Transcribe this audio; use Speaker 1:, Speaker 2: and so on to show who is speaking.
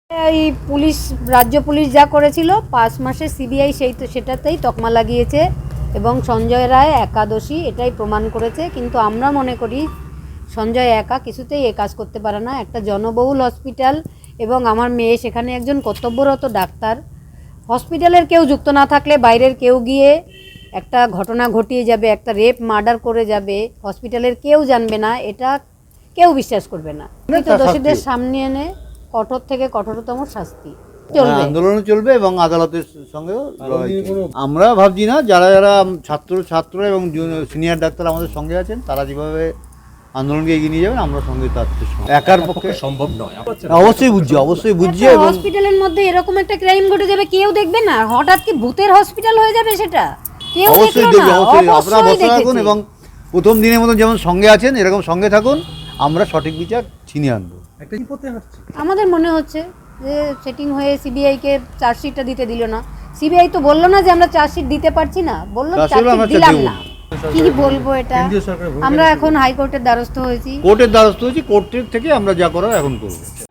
Speaker 1: এই পুলিশ, রাজ্য পুলিশ যা করেছিল 5 মাসে, সিবিআই সেটাতেই তকমা লাগিয়েছে এবং সঞ্জয় রায় একাদশী এটাই প্রমাণ করেছে। কিন্তু আমরা মনে করি সঞ্জয় একা কিছুতেই এ কাজ করতে পারে না। একটা জনবহুল হসপিটাল এবং আমার মেয়ে সেখানে একজন কর্তব্যরত ডাক্তার, হসপিটালের কেউ যুক্ত না থাকলে বাইরের কেউ গিয়ে একটা ঘটনা ঘটিয়ে যাবে, একটা রেপ মার্ডার করে যাবে, হসপিটালের কেউ জানবে না, এটা কেউ বিশ্বাস করবে না। কিন্তু দোষীদের সামনে এনে কঠোর থেকে কঠোরতম শাস্তি চলবে,
Speaker 2: আন্দোলন চলবে এবং আদালতের সঙ্গেও আমরা ভাবছি না, যারা যারা ছাত্র এবং সিনিয়র ডাক্তার আমাদের সঙ্গে আছেন তারা যেভাবে আন্দোলনকে এগিয়ে নিয়ে যাবেন আমরা সঙ্গে তার একার পক্ষে
Speaker 3: সম্ভব নয়।
Speaker 2: অবশ্যই বুঝছি এবং
Speaker 1: হসপিটালের মধ্যে এরকম একটা ক্রাইম ঘটে যাবে, কেউ দেখবে না? হঠাৎ কি ভূতের হসপিটাল হয়ে যাবে সেটা? কেউ
Speaker 2: অবশ্যই
Speaker 1: দেখলো
Speaker 2: দেখবে,
Speaker 1: না?
Speaker 2: অবশ্যই আপনারা
Speaker 1: অবশ্যই
Speaker 2: বসে থাকুন
Speaker 1: দেখেছে।
Speaker 2: এবং প্রথম দিনের মতো যেমন সঙ্গে আছেন এরকম সঙ্গে থাকুন, আমরা সঠিক বিচার ছিনিয়ে আনবো।
Speaker 1: আমাদের মনে হচ্ছে যে সেটিং হয়ে সিবিআইকে চার্জশিটটা দিতে দিল না। সিবিআই তো বললো না যে আমরা চার্জশিট দিতে পারছি না, বললো চার্জশিট দিলাম না। কি বলবো এটা? আমরা এখন হাইকোর্টের দ্বারস্থ হয়েছি,
Speaker 2: কোর্টের দ্বারস্থ হয়েছি, কোর্টের থেকে আমরা যা করার এখন করবো।